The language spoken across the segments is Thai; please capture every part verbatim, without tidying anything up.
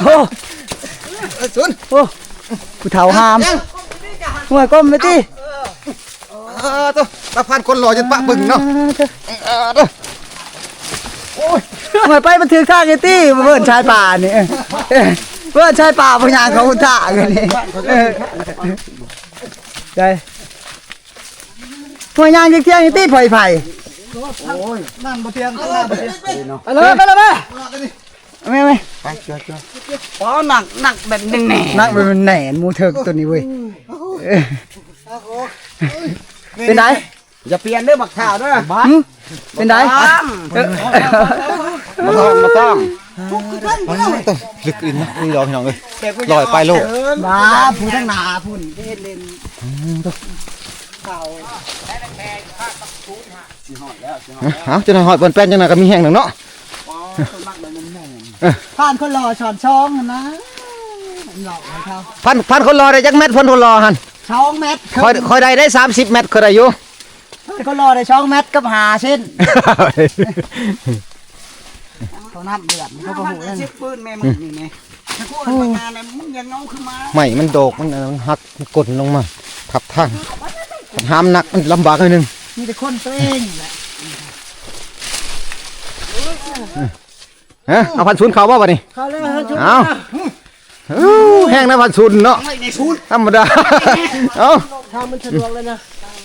โอ้ศูนย์โอ้ผู้เฒ่าหามหัวก้มไปที่เออตัวตาพันคนหล่อจนปะบึ้งเนาะโอ้ยหัวไปมันถือข้างไอ้ตี้เบิ่นชายป่านี่เบิ่นชายป่าพญางเขาท่ากันนี่ได้หัวยางเที่ยงไอ้ตี้ไผ่ไผ่โอ้ยนั่นบ่เทียงนั่นบ่เทียงไปเลยไปเลยไปไม่ไม่ไปเจ้าเจ้าอ๋อหนักหนักแบบแหน่หนักแบบแหน่มูเถิกตัวนี้เว้ยเป็นไงอย่าเปลี่ยนเด้อบักข่าวเด้อเป็นไงมาต้องมาต้องต้องลึกอินนะนี่รอพี่น้องเลยลอยไปโลกมาพูดทั้งหนาพูดเล่นเล่นข่าวเอาจะหน่อยหอดบนแป้นจังหน่อยก็มีแห้งหนึ่งเนาะผ่านคนรอช้อนช่องนะพันพันคนรอได้จักเม็ดพันคนรอหันช่องเม็ดคอยคอยได้ได้สามสิบเม็ดคอยได้อยู่คนรอได้ช่องเม็ดกับหาเส้นเขานับเดือดเขาก็หูนั่นปืนแม่มึงนี่ไงถ้ากูมางานเนี่ยมึงยังน้องขึ้นมาไม่มันโดกมันหักมันกดลงมาทับทางห้ามหนักมันลำบากนิดนึงมีแต่คนตัวเองแหละฮะเอาพันศูนย์เขาบ่าวะนี่เขาเลยพันศูนย์เอาแห้งนะพันศูนย์เนาะธรรมดาเอาทางมันสะดวกเลยนะ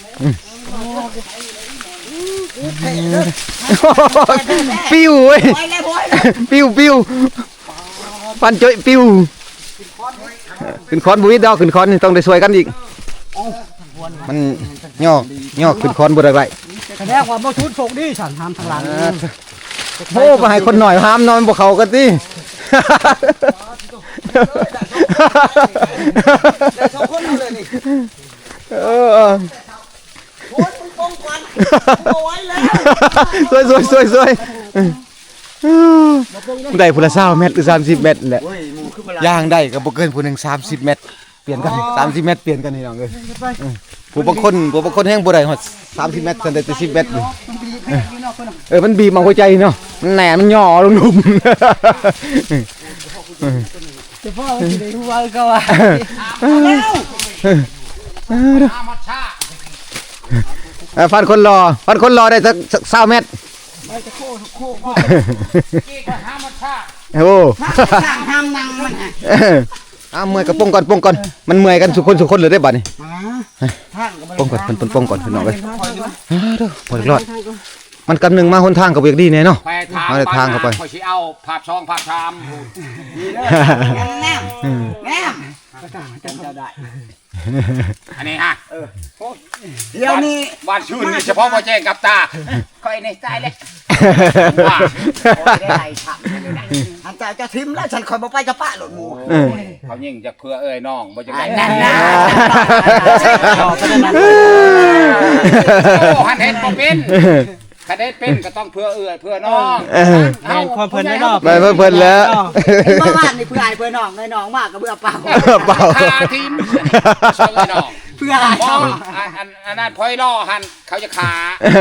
ปิ้วเว้ยปิ้วปิ้วพันจ่อยปิ้วขึ้นคอนบุ้ยดาวขึ้นคอนต้องได้ช่วยกันอีกมันย่อย่อขึ้นคอนบุได้ไรแสดงว่าบ่ชุดโศกดิฉันห้ามทางหลังโอ้ไปให้คนหน่อยห้ามนอนบนเขากันดิเออสวยสวยสวยสวยได้พูละเศร้าเมตรหรือสามสิบเมตรแหละย่างได้กับบุกเกินผู้หนึ่งสามสิบเมตรเปลี่ยนกันสามสิบเมตรเปลี่ยนกันนี่น้องเลยผู้บางคนผู้บางคนแห้งบุได้หมดสามสิบเมตรสันแต่สิบเมตรเออมันบีบมาหัวใจเนาะมันแหนมันย่อลงหลุมจะพ่อมันจะได้รู้ว่าก็ว่าฟันคนรอฟันคนรอได้สักสามเมตรโอ้ห้ามนั่งมันอ้าเมื่อยกับปงก่อนปงก่อนมันเมื่อยกันสุคนสุคนเลยได้บัดนี่ปงก่อนปงปงก่อนพี่น้องเลยพอรอดมันกำหนึ่งมาหนทางกับเบียกดีเนี่ยเนาะมาในทางเข้าไปคอยชี้เอาภาพช่องภาพชามแนมแนมอันนี้ฮะเดี๋ยวนี้วันชื่นนี่เฉพาะพอแจ้งกับตาคอยในใจเลยได้ไรฉันอันเจ้าจะทิมแล้วฉันคอยบอกไปจะป้าหลุดหมูเขายิ่งจะเพื่อเอ้ยน้องบ่จะได้นั่นนะโอ้ฮันเฮ็ดบ่เป็นถ้าได้เป็นก็ต้องเพื่อเอื้อเพื่อน้องเห็นความเพลินได้รอบไปเพื่อนแล้วเมื่อวานนี่เพื่อไอ้เพื่อน้องเลยน้องมากกับเบื่อเปล่าเปล่าทีมช่วยน้องเพื่อไอ้น้องอันนั้นพอยล่อหันเขาจะขา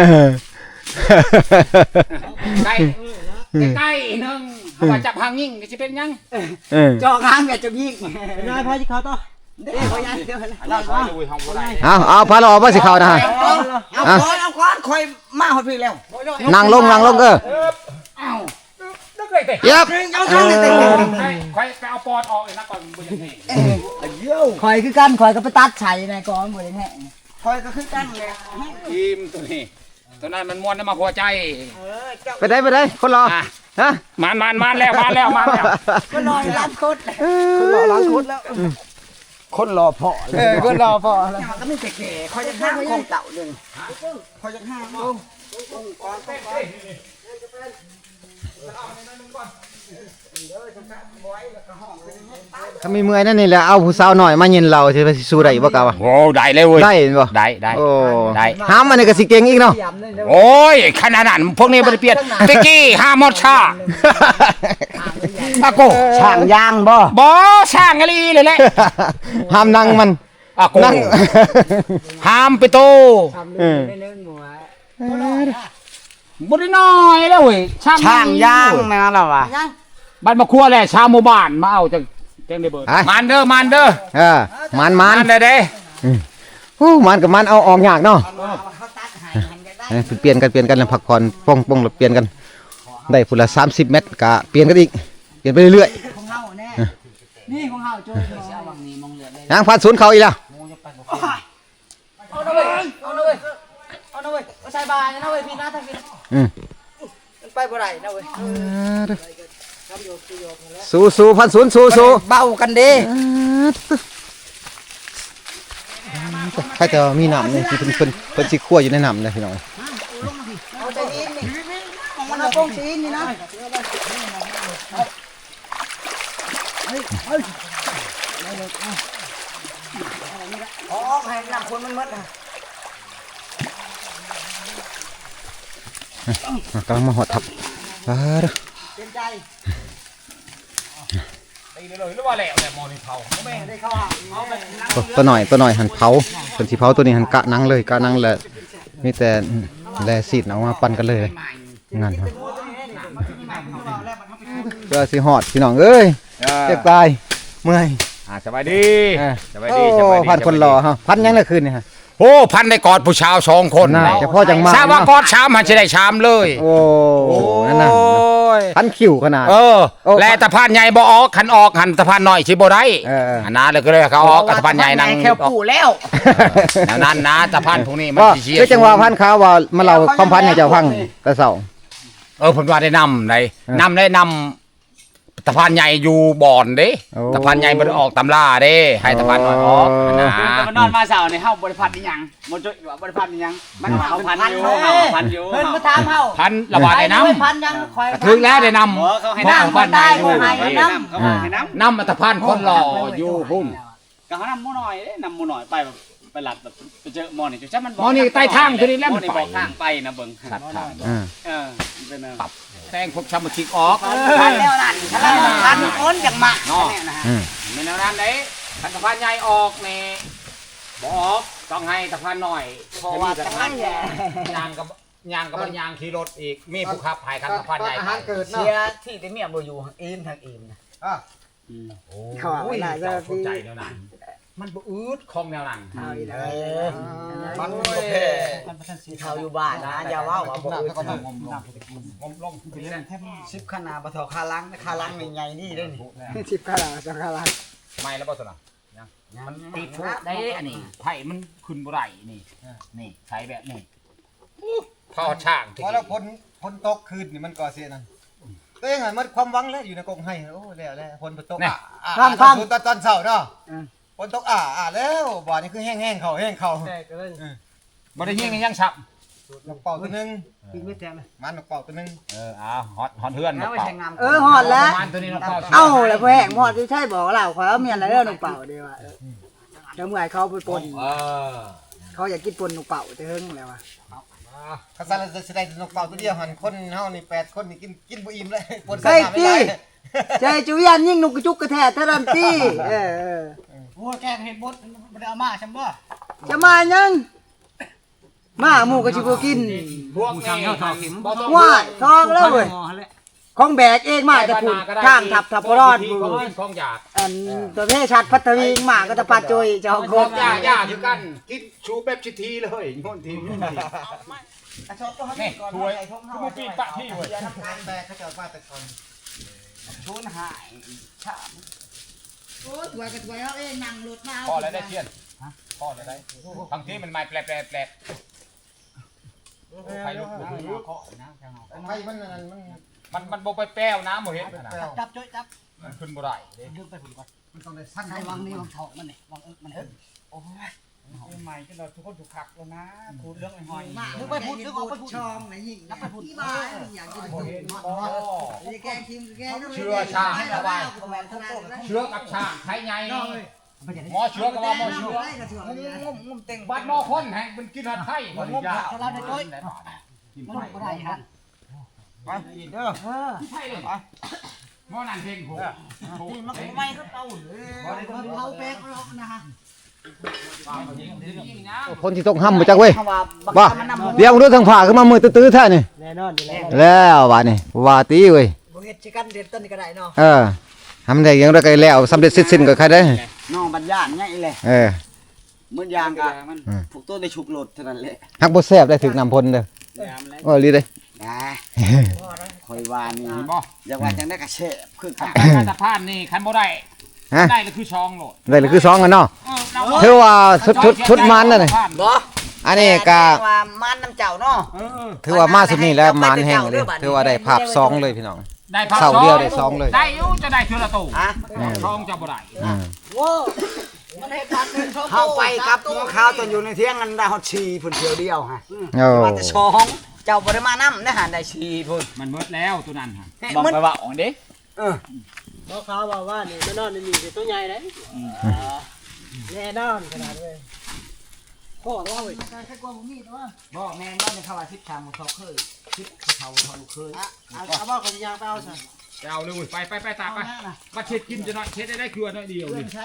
ใกล้ใกล้หนึ่งเขาว่าจับหางยิ่งจะเป็นยังจอกหางแบบจะยิ่งนายพายที่เขาต่อเอาเอาพาเราออกมาสิเขานะฮะเอาก้อนเอาก้อนคอยมาหดพี่แล้วนั่งลงนั่งลงเออเย็บคอยไปเอาปอดออกเลยนะก่อนบนยังไงคอยคือกันคอยก็ไปตัดไฉในก้อนบนยังไงคอยก็คือกันเลยทีมตัวนี้ตัวนั้นมันม้วนมาหัวใจไปได้ไปได้คนรอฮะมันมันมันแล้วมันแล้วมันแล้วคนรอล้างคุดคนรอล้างคุดแล้วคนรอพ่อเออคนรอพ่อแล้วก็ไม่เก๋ๆคอยจะห้ามของเต่าเลยคอยจะห้ามลงก่อนก่อนถ้ามีเมื่อยนั่นนี่แหละเอาผู้สาวหน่อยมาเย็นเราจะไปสู้ได้บ่กาวะโอ้ได้เลยเว้ยได้บ่ได้ได้โอ้ได้ห้ามมันก็สิเก่งอีกเนาะโอ้ยขนาดนั้นพวกนี้บ่ได้เปลี่ยนตะกี้ห้ามหมดชาตะโกช่างยางบ่บ่ช่างอะไรเลยแหละห้ามนั่งมันอ่ะโกนั่งห้ามไปโตเออบ่ได้น้อยแล้วเว้ยช่างยางแม่นแล้วว่ะบ้านมาครัวแหละชาวหมู่บ้านมาเอาจังจังได้เบิดมานเด้อมานเด้อเออมันมันมานได้เด้โอ้มันกับมันเอาออกยากเนาะเออเปลี่ยนกันเปลี่ยนกันแล้วพักผ่อนป้องป้องแล้วเปลี่ยนกันได้พุ่นละสามสิบเมตรกะเปลี่ยนกันอีกเปลี่ยนไปเรื่อยของเฮาแน่นี่ของเฮาโจ้เอาวังนี้มองเหลือได้ๆยางพันศูนย์เขาอีกแล้วเอาหน่อยเอาหน่อยเอาหน่อยเอาใส่บานะเว้ยพี่นะทั้งพี่อืมมันไปบ่ได้นะเว้ยสู้สู้พันศูนย์สู้สู้เบากันเด้ใครจะมีน้ำเนี่ยที่เพิ่นเพิ่นเพิ่นสิคั่วอยู่ในน้ำเลยพี่น้องเอาใจอินนี่มันเอาโป้งซีนนี่นะอ๋อให้น้ำคนมันหมดอ่ะกำลังมาหอดทับอ่าเด้อเป็นใจตีเลยหรือว่าแล้วแต่มอนี่เผาแม่ได้เข้าหาเอาไปนั่งตัวตัวหน่อยตัวหน่อยหันเผาเพิ่นสิเผาตัวนี้หันกะหนังเลยกะหนังแหละมีแต่แลซีดเอามาปั่นกันเลยงานครับเพื่อสิหอดพี่น้องเอ้ยเจ็บตายเมื่อยอ่าสบายดีสบายโอ้ดีสบายดีพันคนรอฮะพันยังละคืนนี่ฮะโอ้พันได้กอดผู้ชาวสองคนน่าจะพ่อจังมาทราบว่ากอดชามมันจะได้ชามเลยโอ้นั่นน่ะโอ้ยพันคิวขนาดเออโอ้และตะพานใหญ่บ่ออกขันออกหันตะพานน้อยสิบ่ได้เออเอออันนั้นเลยก็เลยเขาออกตะพานใหญ่นั่งแค่ปู่แล้วแนวนั้นนะตะพานพวกนี้มันก็สิเชียคือจังหวะพันขาวว่ามาเล่าความพันให้เจ้าฟังแต่เช้าเออผมว่าได้นำได้เออนำได้นำตะพานใหญ่อยู่บ่อนเด้โอ้ตะพานใหญ่บ่ได้ออกตำราเด้ให้ตะพานน้อยออกนะแต่มันนอนมาเสาในเฮาบริพันธ์นี่ยังมันจะว่าบริพันธ์นี่ยังมันเฮาพันอยู่เฮาพันอยู่เพิ่นมาถามเฮาพันระบาดได้นำพันยังคอยถึงแล้วได้นำหมอเขาให้เพราะน้ำตะพานใหญ่อยู่ได้ให้น้เขาให้น้ำนำมาตะพานคนหล่ออยู่พุ่นก็เขาน้ำมูหน่อยเด้น้ำมูหน่อยไปแบบไปหลัดแบบไปเจอหมอนี่จุดจ้ามันหมอนี่ใต้ทางตัวนี้แล้วหมมัอน นี่ไปบอกทางไปนะเบิ่งขัดทางอ่าเออเป็นเออแต่งพวกชำชิกออกำพันแล้วนั่นพันคนจังมาเนาะอืมเป็นแนวนั้นเด้ขันตะพานใหญ่ออกนี่บ่ออกต้องให้ตะพานน้อยเพราะว่าจะให้แหละยางกับยางกับยางขี่รถอีกมีผู้ขับหายขันตะพานใหญ่เสียที่ที่เมียบ่อยู่อินทางอินนะโอ้เขาว่ายน่าจะเจ้าเข้าใจแนวนั้นมันบ่อืดของแนวนั้นเอาอีกแล้วมันบ่แพ้สิเฒ่าอยู่บ้านนะอย่าว่าว่าบ่อื่นงมลงงมลงไปเล่นแทบสิบขนาดบ่เท่าคาลังคาลังนี่ใหญ่นี่เด้นี่สิบขนาดสองคาลังไม่แล้วบ่สนะมันติดทุกได้อันนี้ไผ่มันขึ้นบ่ได้นี่นี่ใช้แบบนี้เข้าช่างพอแล้วพ้นพ้นตกคืนนี่มันก่อเสียนั่นตัวเองหันมันความหวังแล้วอยู่ในกรงให้โอ้แล้วแล้วพ้นตกอ่ะอ่าตอนตอนตอนเช้าเนาะพ้นตกอ่าอ่าแล้วบ่อนี่คือแห้งๆเขาแห้งเขาบ่ได้ยิงยังฉับนกเป่าตัวนึงกินไม่แท้เลยมันนกเป่าตัวนึงเอออ้าวฮอตฮอตเฮือนแล้วไม่เป่าใช่งามเออฮอดแล้วมันตัวนี้เราเป่าเอ้าแล้วพ่อแห้งฮอดใช่บอกเราขอยเอาเมียนแล้วนกเป่าเด้ว่าเดี๋ยวเมื่อเขาไปปนเออเขาอยากกินปนนกเป่าเถิงแล้วว่ะข้าซาจะแสดงนกเป่าตัวเดียวหันคนเฮานี่แปดคนนี่กินกินบ่อิ่มเลยปนใช่ติใจจุยันยิ่งนกกระจุกกระแทกเท่านั้นติเออเออโอ้แกเห็นบดบ่ได้เอามาฉันบ่จะมายังมาหมูก็สิบ่กินพวกนี้บ่ต้องว้ายทองแล้วเว้ยของแบกเองมาจะพูดข้างทับทับบ่รอดของของอยากอันตัวเพศชัดพัทวีมาก็จะปัดจุยเจ้าขโคองกอยากยากอยู่กันกินชูแบบชิทีเลยโน่นทีนี่นี่ถวยคือบ่ปีนปะที่เว้ยแบกเขาจะมาแต่ก่อนชูนหายโอ้ถวยกับถวยเอาเองนั่งรถมาพ่อแล้วได้เทียนพ่อแล้วได้บางทีมันไม่แปลกๆแปลกไฟลุกบ่ฮู้เคาะนะจังเอาไฟมันนั่นมันมันมันบ่ไปแป้วน้ำบ่เห็นนะจับจุยจับมันขึ้นบ่ได้เด้ดึงไปพุ่นก่อนมันต้องได้สั้นใช้วางนี่วางทองมันนี่วางเอิกมันเอิกใหม่ก็เราทุกคนถูกขักแล้วนะพูดเรื่องไอ้หอยมาดึงไปพุ่นดึงออกไปพุ่นช่องไหนยิงนับไปพุ่นที่บ้านอยากกินบ่พุ่นเห็นฮอดบ่ฮอดนี่แกงคิมแกงเชื่อชาให้ระบายเชื้อกับชาไข่ใหญ่หมอเชื้อก็ว่าหมอเชื้องมงมเต็งบัดหมอคนแห่งเป็นกินหัดไข่บ่ได้ยากเราได้ด้วยมันบ่ได้ฮะไปอีกเด้อเออใช่เลยหมอนั่นเพ่งโหนี่มันไม่ก็เต้าเลยเขาแป๊กล็อกนะฮะคนที่ตกห้ำมาจากเว้ยบ่เดี๋ยวดูทางผ่าขึ้นมามือตื้อๆแท้นี่แน่นอนอยู่แล้วแล้วว่านี่ว่าตีเว้ยบ่เฮ็ดสิกันเด็ดต้นนี้ก็ได้เนาะเออทำได้ยังได้ก็แล้วสำเร็จเสร็จสิ้นก็ใครได้น้องบัญญาณไงแหละเออมื้อยางก็ผูกต้นได้ฉุกโลดเท่านั้นแหละฮักบ่แซ่บได้ถึกน้ำพ่นเด้อโอ้ลีเด้นะคอยว่านี่อย่าว่าจังได้กระเชฟคือกันการสะพานนี่คันบ่ได้ฮะได้เลยคือช่องโหลดได้เลยคือสองกันเนาะถือว่าชุดชุดชุดมันนั่นน่ะบ่อันนี้ก็ว่ามันน้ำเจ้าเนาะถือว่ามาสุดนี้แล้วมันแห้งเลยถือว่าได้ภาพสองเลยพี่น้องได้พักเสาเดียวได้สองเลยได้อยู่จะได้เทื่อละตู้ฮะช่องจะบ่ได้อืมโว้มันให้พันหนึ่งช่องเฮาไปกับหมูขาวตอนอยู่ในเที่ยงกันได้ฮอดชีพุ่นเที่ยวเดียวฮะโอ้ว่าแต่สองเจ้าบ่ได้มานำได้หาได้ชีพุ่นมันเบิดแล้วตัวนั้นฮะบอกไปว่าอ๋อเด้เออบอกเขาว่าว่านี่มันนอนนี่นี่ตัวใหญ่เลยแน่นอนขนาดเลยพ่อว่าเว้ยใครกลัวผมมีตัวบ่แม่นบ่ได้เข้าว่าสิบชามบ่เขาเคยสิบเขาเขาลูกเคยเอาเอาบอกคนยางไปเอาซะไปเอาเลยเว้ยไปไปไปตามไปมาเช็ดกินจะน้อยเช็ดได้ได้ครัวน้อยเดียวนี่ใช้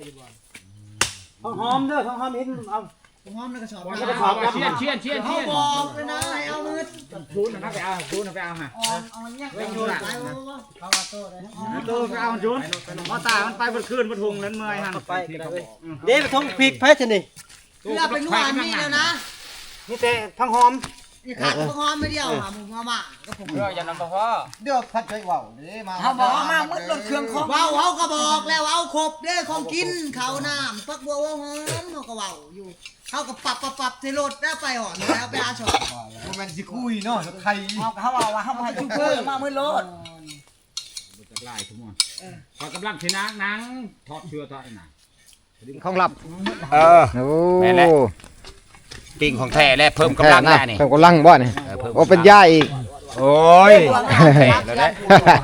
หอมเด้อหอมเห็นเอาผมหอมในกระสอบบ่ได้บอกว่าเชียนเชียนเชียนเขาเชียนบอกเลยนะให้เอามือชูนนะไปเอาชูนนะไปเอาฮะเอาเอาเนี่ยไปโยนไปว่าเขาว่าโตเลยตัวไปเอาจุนพอตามันไปบนคืนบนทุงนั้นเมื่อยหันไปเดี๋ยวไปทงพริกแพ้ชนิดเพื่อเป็นหวานมีแล้วนะนี่แต่ทั้งหอมนี่ขาดพวกหอมไม่เดียวหาหมูมาม่าก็ผมเอออย่านำพ่อเดี๋ยวพัดใจว่าวเด้มาเขาบอกมามืดรถเครื่องของว้าวเขาก็บอกแล้วเอาครบเด้อของกินข้าวน้ำปักบัวหอมเขาก็ว้าวอยู่เขาก็ปรับปรับปรับที่รถได้ไปอ่อนแล้วไปอาชอบมันสิคุยเนาะไทยเขาเขาบอกว่าเขาให้ชุบเพื่อมามืดรถบ่จะไล่ทุกมื้อพอกำลังสินางนางทอดเชือทอดน่ะของลับเออโอ้แม่นแล้ว ปิ้งของแท้และเพิ่มกำลังแน่นี่เพิ่มกำลังบ่นี่โอ้เป็นยาอีกโอ้ยแท้แล้วแหละ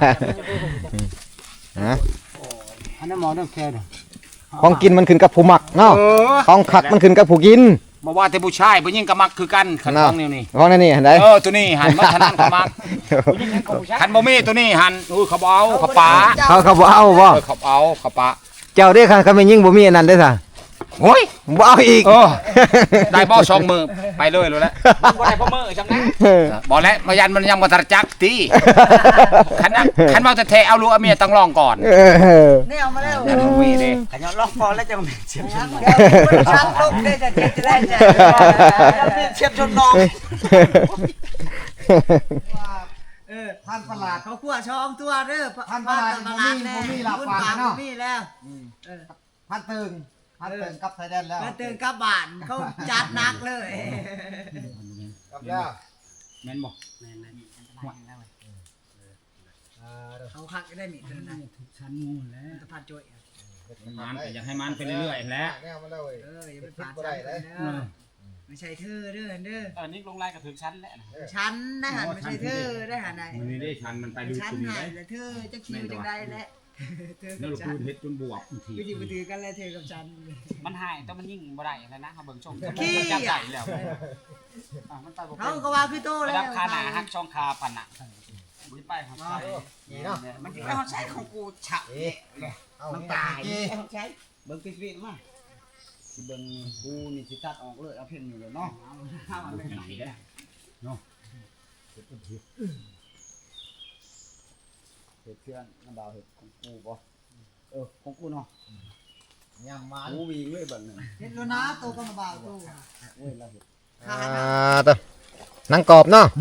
ฮะอันนั้นหมอต้องแค่เด้อของกินมันขึ้นกับผู้มักเนาะของขักมันขึ้นกับผู้กินบ่ว่าแต่ผู้ชายผู้หญิงก็มักคือกันคันของแนวนี้ของนั่นนี่เห็นได้เออตัวนี้หันมาทางนั้นเขามักคันบ่มีตัวนี้หันอุ้ยเขาบ่เอาเขาปาเขาเขาบ่เอาบ่เออเขาเอาเขาปาเจ้าเด้อค่ะเขาไม่ยิ่งบ่มีอันนั้นเด้อซะโอ้ยบ่เอาอีกเออได้บ่สองมือไปเลยรู้แล้วบ่ได้พ่อมือจำนะบ่แล้วมายันมันยังบ่ทันจักติคันนั้นคันว่าจะแท้เอาลูกเอาเมียต้องลองก่อนเออเนี่ยเอามาแล้วคันบ่มีเด้ขยันล็อกคอแล้วจะมีเสียบชนน้องชักลูกได้จะเจ็บจะได้จะเสียบชนน้องเออพันประหลาดเขาขั้วช่องตัวเด้อพันประหลาดมีหลับปากเนาะมีแล้วเออพันตึงพันตึงกับไทยแลนด์แล้วมาเตือนกับบ้านเขาจัดหนักเลยกับแล้วแม่นบ่เขาคักได้หนิเตือนนะชั้นงูแล้วตะพันจ่อยมันก็อยากให้มันไปเรื่อยๆแหล้วแนวมาแล้วเว้ยเอออย่าไปผ่านชั้นเด้อไม่ใช่เธอเด้อเด้ออันนี้ลงลายกับถึงชั้นแล้วชั้นได้หันไม่ใช่เธอได้หันไหนมันนี่ได้ชั้นมันไปลึกชั้นตรงนี้หัได้นแล้วเธอจะคิวจังได้แหละเธอแล้กัวบเราฉัพูนดเฮ็ดจนบวกทีกูจิบถือกันเลยเธอกับฉันมันหายแต่มันยิ่งบ่ได้แล้วนะเขาเบิ่งชมขี้จับใหญ่แล้วมันไปบ่เขาก็ว่าพี่โตเป็แล้นวราคาหนาฮักช่องคาพันน่ะบ่ไปของใช้นี่เนาะมันจะเขาใช้ของกูฉะเอามันนี่ตายกี่เขาใช้เบิ่งปิดๆมาสิเบิ่งกูนี่สิตัดออกเลยเอาเพ่นอยู่เลยเนาะไหนได้เนาะเห็ดเพื่อนน้ำดาวเห็ดของกูบ่เออของกูเนาะยำมากูวิ่งเลยเบิ่งนึงเห็นแล้วนะโตก็มาบ่าวโตเว้ยเราเห็ดขาอ่าตัวนังกรอบเนาะ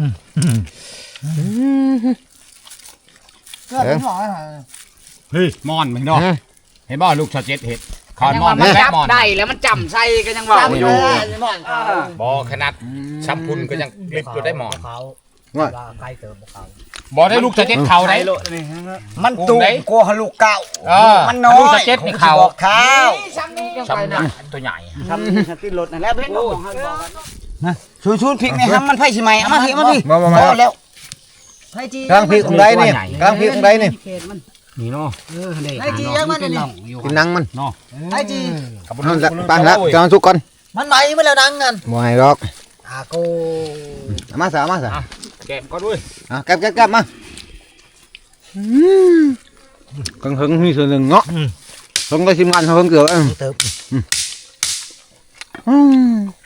เกิดเป็นหมอเหรอเฮ้ยมอนมึงเนาะเห็นบ่ลูกชอเจ็ดเห็ดคอนมอนมันแม่จับมอนได้แล้วมันจำใส่ก็ยังว่าอยู่บ่ขนาดชัมพุนก็ยังกลิบอยู่ได้หมอนว่าบ่ได้ลูกชอเจ็ดเขาได้มันตูมกลัวฮะลูกเก่าเออมันน้อยลูกชอเจ็ดนี่เขาบอกข้าวชัมนะตัวใหญ่ทำสติรถนั่นแหละเพ่นบอกให้บอกนะชูชูพริกในห้ำมันไผ่สิไหมเอามาพี่เอามาพี่มามามาพอแล้วไทยจีกลางพริกของใดนี่กลางพริกของใดนี่นี่เนาะไทยจียังมันนี่กินนังมันเนาะไทยจีเอาละปังแล้วจะเอาสุกก่อนมันไหมมาแล้วนังกันบ่ให้หรอกอาโกเอามาซะเอามาซะแกะก็ด้วยอ่ะแก็บๆๆมาอืมกังหึงมีส่วนหนึ่งเนาะลงไปชิมกันเฮงเกือบเออเติมอืม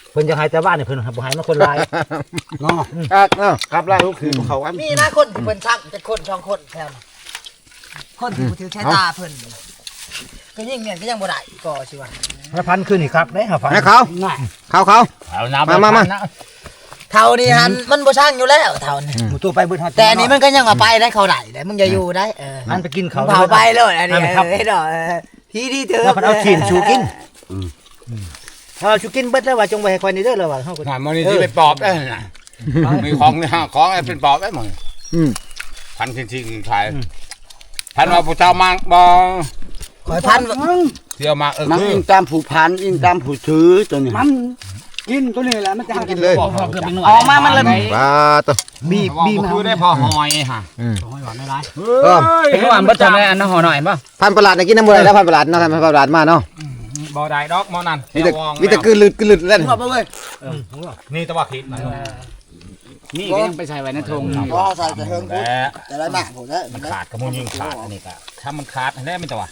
เพิ่นจะให้แต่บ้านนี่เพิ่นบ่ให้มาคนหลายเนาะคักเนาะครับไล่ลูกคือเขาอันมีนะคนที่เพิ่นชักจะคนช่องคนแถวนั้นคนที่บ่ถือใช้ตาเพิ่นก็ยิ่งเนี่ยก็ยังบ่ได้ก็สิว่าห้าพันคืนนี่ครับได้ห้าพันให้เขาเขาเขาเอาน้ำมามามาเท่านี้หันมันบ่ช่างอยู่แล้วเท่านี้หมูตัวไปเบิดฮอดแต่อันนี้มันก็ยังเอาไปได้เขาได้ได้มึงอย่าอยู่ได้เออมันไปกินเขาเผาไปเลยอันนี้เฮ้ยดอกพี่ที่เธอแล้วมันเอาชิ้นชูกินถ้าชูกินเบิดแล้วว่าจงไว้ให้คอยนี่เด้อแล้วว่าเฮาก็หามันนี่ที่ไปปอบได้น่ะมีของนี่ฮะของเป็นปอบได้หมดอืมพันทิ้งทิ้งขายพันว่าผู้เจ้ามังบ่ขอยพันเที่ยวมาเออมันคืออิงตามผู้พันอิงตามผู้ถือตัวนี้มันกินตัวนี้แหละมันจะกินเลยบอกเกือบเป็นหน่วยออกมามันเลยปลาตัวบีบบีบคือได้พอหอยฮะอืมหอยหวานไม่ร้ายเออเป็นหวานเบิดทำได้อันนั้นห่อหน่อยป่ะพันประหลาดน่ะกินน้ำบ่ได้แล้วพันประหลาดเนาะพันประหลาดมาเนาะบ่ได้ดอกหมอนั่นมีแต่มีแต่กลืนลืดกลืนลืดเล่นหัวบ่เว้ยนี่ตะว่าคิดนะนี่ก็ยังไปใส่ไว้ในธงบ่ใส่กระเทิงแต่แต่ละหนักผมได้มันขาดก็มันยิงขาดอันนี้ก็ถ้ามันขาดอันนี้ไม่ตะว่า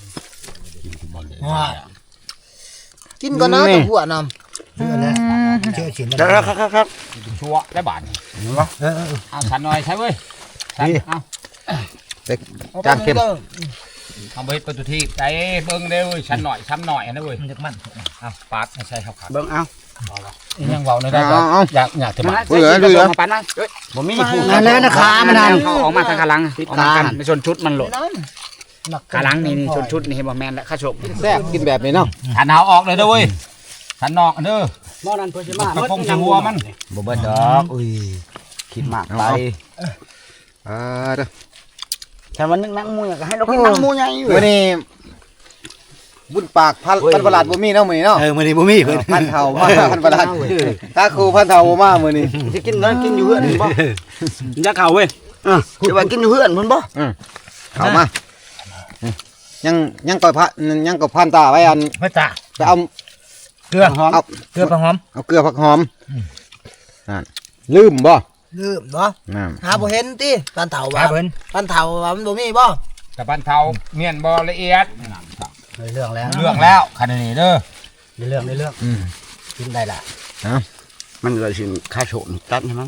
กินก่อนนะตัวหัวนำเชื่อชิ้นครับครับครับครับชัวได้บาทเอาฉันหน่อยใช่เว้ยฉันเอาจานเค็มเอาไปประตูที่ใจเบิ้งเด้อฉันหน่อยช้ำหน่อยนะเว้ยมันจะมันเอาปาดไม่ใช่ครับขาดเบิ่งเอายังเบาในได้อยากอยากจะมาเหลือเหลือปานนั้นบ่มีผู้นั่นแล้วนะขามันนั่นเขาออกมาทางขาลังออกมากันในชนชุดมันหลดหนักขาลังนี่นี่ชนชุดนี่เห็นบ่แมนและข้าชกแซ่บกินแบบนี้เนาะฉันเอาออกเลยเด้อเว้ยฉันนอกเด้อหม้อนั้นเพิ่นสิมาตะพงจะหัวมันบ่เบิดดอกอุ้ยคิดมากไปอ่าเด้อแต่วันนึงนั่งมูก็ให้เรากินนั่งมูใหญ่อยู่วันนี้บุญปากพันพันประหลาดบ่มีเนาะมื้อนี้เนาะเออมื้อนี้บ่มีเพิ่นพันเฒ่ามาพันประหลาดถ้าครูพันเฒ่าบ่มามื้อนี้สิกินนั้นกินอยู่เฮือนบ่จะเข้าเว้ยอ่ะสิว่ากินอยู่เฮือนพุ่นบ่เข้ามายังยังก่อยพันยังก่อยพันตาไว้อันพระจ่าไปเอาเกลือเอาเกลือปลาหอมเอาเกลือผักหอมนั่นลืมบ่ลืมบ่นั่นหาบ่เห็นติปันเฒ่าคว่ารับเพิ่นปันเฒ่าว่ามันบ่มีบ่แต่บ้านเทาเมียนบ่ละเอียดเรื่องแล้วเรื่องแล้วคันนี้เด้อในเรื่องในเรื่องอืมกินได้ล่ะมันก็สิค่าโฉนตัดให้มัน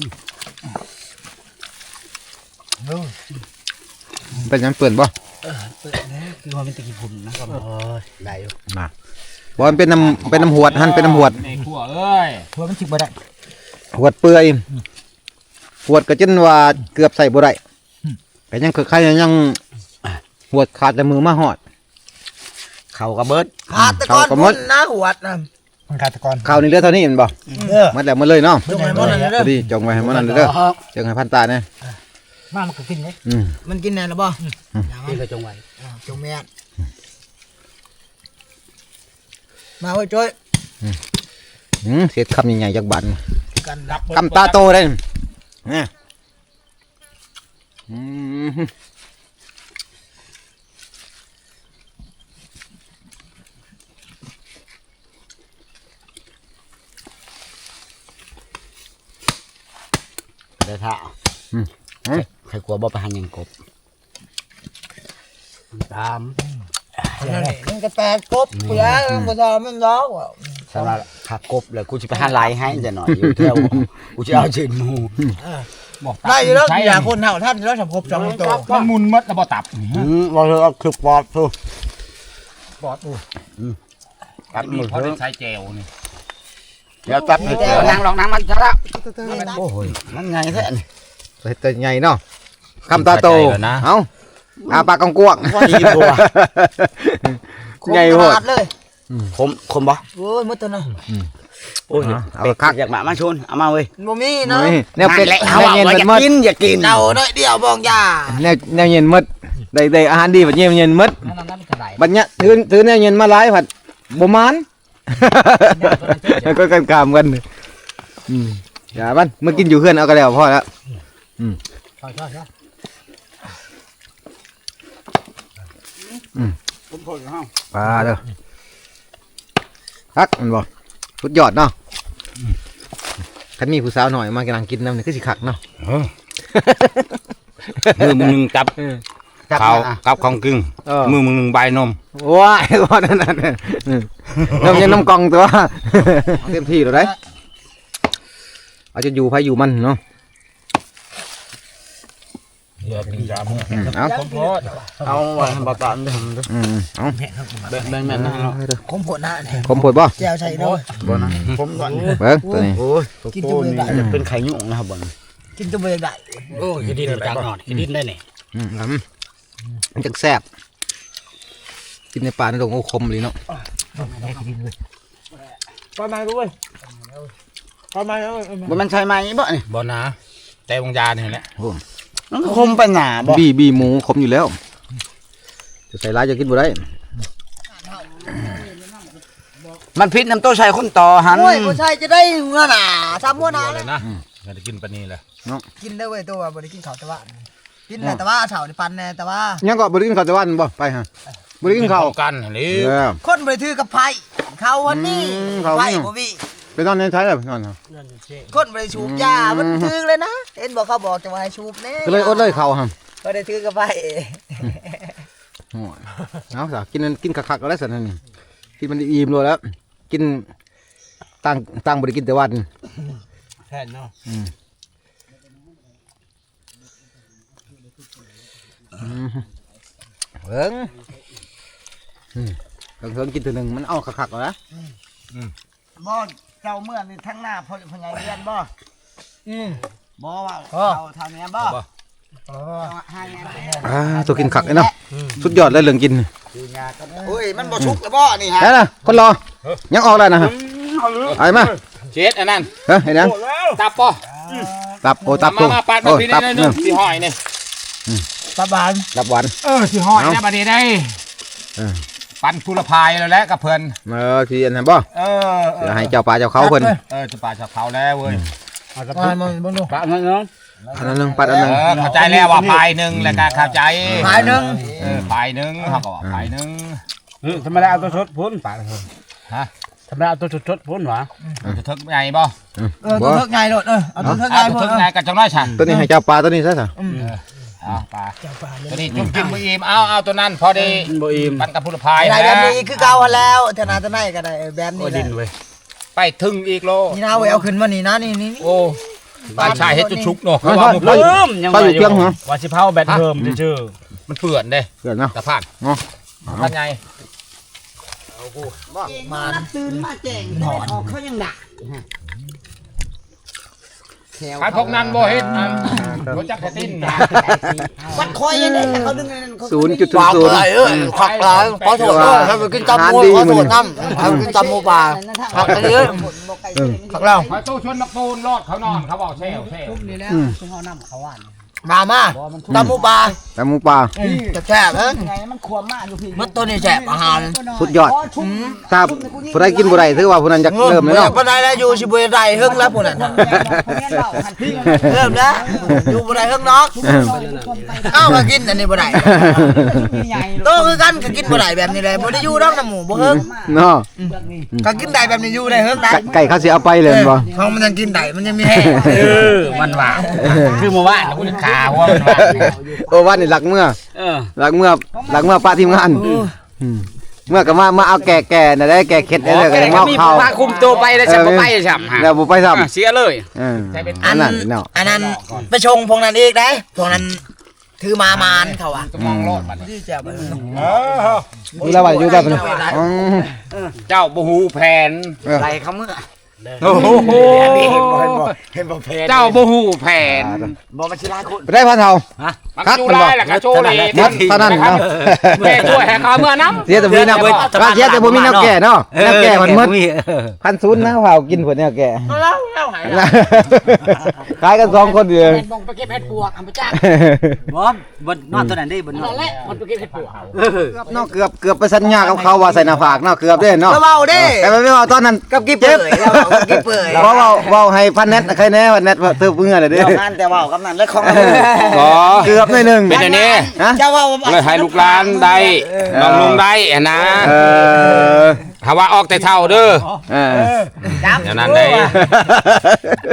เป็นหยังเปื่อนบ่คือว่าเป็นตะกี้พุ่นนะครับโอ้ยได้อยู่บ่มันเป็นน้ำเป็นน้ำหวดหั่นเป็นน้ำหวดในขัวเอ้ยเพราะมันชิกบ่ได้หวดเปื่อยหวดก็จนว่าเกือบใส่บ่ได้ก็ยังคือใครยังหวดขาดแต่มือมาหอดเขาก็เบิดขาดแต่ก่อนเขาก็หมพุ่ดนนะหัวน่ะมันฆาตกรข้าวนี่เหลือเท่านี้แม่นบ่เออหมดแล้วหมดเลยเนาะจงให้หมดนั่นพเด้ออดีจงไว้ให้หมดนั่นเลยเด้อจงให้พันตาเนี่ยมามันก็กินเลยอืมมันกินแน่แล้วบ่อย่ามากินก็จงไว้อ่าจงแม่นมาเว้ยจ้อยอืมเสียดคำใหญ่ๆจากบันกันรับคำตาโตได้นี่อืมได้ท่าใครกลัวบ่ไปหันยังกบตามนั่นนี่มันก็แปดกบเปลือกมันบ่ทอมันร้องว่ะสำหรับผักกบเลยกูจะไปหันลายให้จะหน่อยอยู่เที่ยวกูจะเอาชื่นหมูบอกได้อยู่แล้วอย่าคนเฮาท่านแล้วสำคบสองตัวมันมุนมัดแล้วบ่ตับอืมเราเลยเอาคลิปปอดทูปอดอู้ตัดมีมือเขาเถได้อะใช้เจลนี่เดี๋ยวตัดให้เจอนั่งลองนั่งมันซะละโอ้ยมันไงแท้นี่ตัวใหญ่เนาะคำตาโตเข้าใจแล้วนะเอาอาปากกว้างว่าดีบัวๆใหญ่โหดเลยคมคมบ่โอ้ยมืดตัวน่ะโอ้ยเอาเป็ดคักอยากมามาชนเอามาเว้ยบ่มีเนาะนี่แนวเป็ดแหละแนเอาวว่าเย็นอมันยากมดกินอยากกินเดาน้อยเดียวบอกยาแนวแนวเย็นมดได้ได้อาหารดีแบบเย็นเย็นมดนั่นนั่นมันก็ได้บัดเนี้ยถือถือแนวเย็นมาหลายผัดบ่มาน ก็กันกามกันอืมอย่ามันมากินอยู่เพื่อนเอาก็แล้วพอแล้วใช่ใช่ใช่ผมพอแล้วปลาเด้อคักมันบ่สุดยอดเนาะคันมีผู้สาวหน่อยมากำลังกินน้ำนี่คือสิคักเนาะมือมึงจับเขากับของกึ่งมือมึงหนึ่งใบนมว้ายว่านั่นนั่นน้ำยังน้ำกองตัวเต็มที่แล้วได้เอาจะอยู่ไผอยู่มันเนาะเดี๋ยวเป็นยาเมื่อเอาเอาไว้ให้บ่ตามทำเด้ออืมเอาแบ่งแบ่งแม่นนะเนาะคมผลนะเนี่ยคมผดบ่แจวใส่ด้วยบ่นะผมก่อนเบิ่งตัวนี้โอ้ยกินจนนี่จะเป็นไข่ยุ่งนะครับบ่กินจนเบื่อได้โอ้ยดินจังหน่อยดินได้นี่อืมมันจังแซ่บกินในป่าในดงโอ้คมเลยเนาะปลาไม้ด้วยปลาไม้เอ้ยบ่มันใช่ไหมบ่นี่บ่นะแต่วงยาเนี่ยแหละมันก็คมไปหนาบ่บีบีหมูคมอยู่แล้วจะใส่ร้ายจะกินบ่ได้มันพิษน้ำโต้ใส่คนต่อหันโอ้ยผู้ชายจะได้หัวหนาซ้ำหัวหนาเลยนะจะได้กินปลานี้แหละกินได้เว้ยตัวบ่ได้กินข้าวแต่ว่ากินแต่ว่าเฉาในปันแน่แต่ว่ายังก็บ่ได้กินข้าวแต่วันบ่ไปฮะบ่ได้กินข้าวกันหรือเออคนบริถือกับไผ่เขาวันนี้อืมเขาไผ่นี่บ่มีไปนอนในใช้เลยนอนคนบริชูบยามันถือเลยนะเห็นบอกเขาบอกจะมาให้ชูบแน่ก็เลยอดเลยข้าวฮะก็ได้ถือกับไผ่โอ้ยเอาซะกินกินคักๆก็ได้ซั่นนั่นนี่กินมันอิ่มเลยแล้ว กินตั้งตั้งบ่ได้กินแต่วันแค่นเนาะอืมเบิ่งอืมเพิ่งกินตัวหนึงมันเอาคักๆแล้วนะบ่เจ้าเมื่อนี่ทั้งหน้าพ่อพ่อใหญ่เรียนบ่อืมบ่ว่าอ๋อเอาทางนี้บ่อ๋อให้แม่อ่าตัวกินคักเลยเนาะสุดยอดเลยเรื่องกินโอ้ยมันบ่ชุกแล้วบ่นี่ฮะแล้วนะคนรอยังออกแล้วนะฮะไอ้มาเช็ดอันนั้นเฮ้ยเห็นยังตับป่ะตับโอ้ตับมาตัวมาปาดมาโอ้พี่ตับได้เนนึอะงสีหอยนี่ตาบานตับหวานเออสีหอยนะบัดนี้ได้เออปันพุรพายแล้วแหละกับเพิ่นเออที่อันนั้นบ่เออเดี๋ยวให้เจ้าป่าเจ้าเขาเพิ่นเออจะปลาชาวเขาแล้วเว้ยมามันบ่ดูปะมันเนาะอันนั้นหนึงปัดอันเอนึงอเข้าใจแล้วว่าพายหนึ่งแล้วก็เข้าใจพายหนึ่งเออพายหนึ่งเขาก็ว่าพายหนึ่งทำไมได้เอาตัวชดพุ่นป่าฮะทำไมเอาตัวชดชดพุ่นวะจะทึกไงบ่เออตัวเทิกไงโดดเออเอาตัวเทิกไงเอาพอทึกไงกันจังน้อยฉันตัวนี้ให้เจ้าป่าตัวนี้ซะซะเอาปลาตัวนี้จุ่มกินมืออิ่มเอาเอาตัวนั้นพอดีบ่อิ่มปันกับพุรพายไอ้แบบนะนี้คือเก่าหันแล้วธนาตะไนก็ได้แบบนี้โอ้แหดิละนเว้ยไปถึงอีกโลนี่นะเว้ยเอาขึ้นมานี่นะนี่นี่โอ้บ้านชายเฮ็ดจุชุกเนาะเอาเขาว่าเอามันเอาเปื้อนยังป้าอยู่เพียงเหรอว่าสิเผาแบตเพิ่มชื่อมันเปื่อนเด้เกิดเนาะตะพานเนาะท่านไงมาตื่นมาแจ้งได้ออกเขายังด่าใครพวกนั้นบ่เฮ็ดอันบ่จักกระติ้นนะวัดคอยยังได้แต่เขาดึงเงินเขาศูนย์จุดศูนย์ศูนย์เออขวักหลายขอโทษเด้อถ้าไปกินตำมูขอโทษน้ำถ้าไปกินตำมูปลาขวักไปเยอะขวักเราคอยตู้ชวนนักปูนรอดเขานอนเขาบอกแซวแซวมามาตำมูปลาแต่หมูป่าแซ่บเอ้ยไงมันขวมมากอยู่พี่มัดตัวนี้แซ่บอาหารสุดยอดถ้าผู้ใดกินบ่ได้ถือว่าผู้นั้นจะเริ่มเลยเนาะปานใดแล้วอยู่สิบ่ได้เฮิงแล้วพุ่นน่ะเริ่มแล้วอยู่บ่ได้เฮิงเนาะเอ้าก็กินอันนี้บ่ได้โตคือกันก็กินบ่ได้แบบนี้แหละบ่ได้อยู่นำน้ำหมูบ่เฮิงเนาะก็กินได้แบบนี้อยู่ได้เฮิงได้ไก่ไก่เขาสิเอาไปเลยบ่เพราะมันยังกินได้มันยังมีแห้งเออมันว่าคือเมื่อวานกูขาหัวมันว่าโอ้ว่านี่หลักเมื่อเออหลักเมื่อหลักเมื่อป้าทีมงานอืมเมื่อก็มามาเอาแก่แก่น่ะได้แก่เข็ดได้เลยก็ได้มามีเข้าพาคุมตัวไปแล้วจะบ่ไปซ้ำฮะแล้วบ่ไปซ้ำเสียเลยเอออัอันนนั้นั้น นเนาะอันนั้นไปชงพวกนั้นอีกได้พวกนั้นถือมามานเขาอ่ะจะมองรอดมันที่จะบ่อยู่แล้วว่าอยู่ได้ปะเนี่ยอืมเจ้าบ่ฮู้แผนไรเขาเมื่อโอ้โหเห็นบ่เพนเจ้าบ่ฮู้แผนบ่มาชิลาคุณไปได้พันเท่ามันครับจูมันบอกได้ล่ะกะโชว์เลยนัดเท่านั้นเนาะแม่ช่วยให้เขาเมื่อน้ำเสียแต่บ่มีแนวว่าเสียแต่บ่มีแนวแก่เนาะแนวแก่มันหมดพันศูนย์นะเผากินผลแนวแก่แล้วแล้วหายขายกันสองคนเดียวบ่งไปเก็บเห็ดปวกอันไปจ้างบ่บนนอนตัวนั้นได้บนนอนมันไปเก็บเห็ดปวกเนาะเกือบเกือบไปสัญญากับเขาว่าใส่หน้าผากเนาะเกือบเด้เนาะเบาเด้แต่ไม่เอาตอนนั้นกับกิ๊บเปื่อยแล้วกับกิ๊บเปื่อยเพราะว่าเว้าให้พันเน็ตใครแน่ว่าเน็ตว่าเธอเพิ่งอะไรเด้เดี๋ยวงานแต่ว่ากำนันและของอ๋อเกือบหน่อยหนึงเป็นอันนี้ฮะเจ้าว่าเลยให้ลูกหลานได้น้องลุงได้อะนะเออถ้าว่าออกแต่เท่าเด้อเอออย่างนั้นได้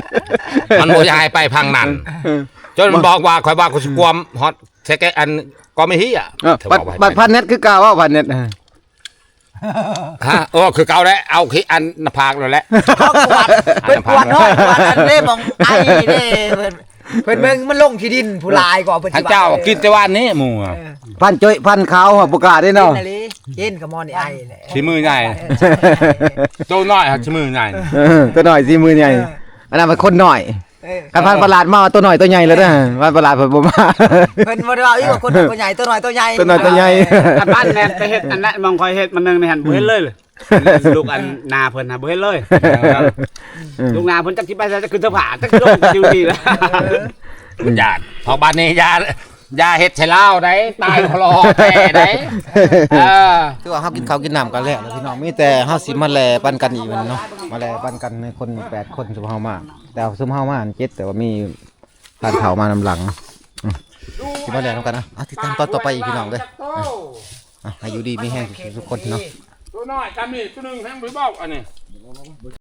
มันบ่อยากให้ไปพังนั่นจนมันบอกว่าข่อยว่ากูสิกวมฮอตแท้แกอันก็ไม่เฮียเออบัตรบัตรพันเน็ตคือเก่าว่าพันเน็ตฮะโอ้คือเก่าแล้วเอาขี้อันหน้าผากเลยแหละเขากวาดเป็นกวาดน้อยกวาดอันเด้มองไอ้เด้เพิ่นเพิ่นเบิ่งมันลงที่ดินผู้ลายกว่าเพิ่นท่านเจ้ากินแต่วันนี้หมู่พันจ้อยพันขาวอะบ่กล้าได้กินเนาะอะไรกินกับมอนี่ไอ้แหละชิมือใหญ่โตน้อยครับชิมือใหญ่เออตัวหน่อยสิมือใหญ่อันนั้นเป็นคนหน่อยเออกันพันประหลาดมาตัวหน่อยตัวใหญ่แล้วนะพันประหลาดเพิ่นบ่มาเพิ่นบ่ได้ว่าอีกว่าคนตัวใหญ่ตัวน้อยตัวใหญ่ตัวน้อยตัวใหญ่อันบ้านแม่นไปเฮ็ดอันนั้นมองคอยเฮ็ดมันนึงในหันบ่เห็นเลยเลยลูกอันนาเพิ่นน่ะบ่เห็นเลยลูกนาเพิ่นจักสิไปจะขึ้นเสื้อผ้าจักลงดิวดีแล้วญาติพอบ้านนี้ยายาเฮ็ดใส่เหล้าได้ตายคลอแต่ได้เออคือว่าเฮากินข้าวกินน้ำกันแล้วพี่น้องมีแต่เฮาสิมาแลปันกันอีกมันเนาะมาแลปันกันในคนแปดคนซุมเฮามาแต่ซุมเฮามาอันเจ็ดแต่ว่ามีผ่านเขามานำหลังอืมสิมาแลนำกันนะอ่ะติดตามตอนต่อไปอีกพี่น้องเด้ออ่ะให้อยู่ดีมีแห้งทุกคนเนาะตัวน้อยกันนี่ตัวนึงแห้งบ่บอกอันนี้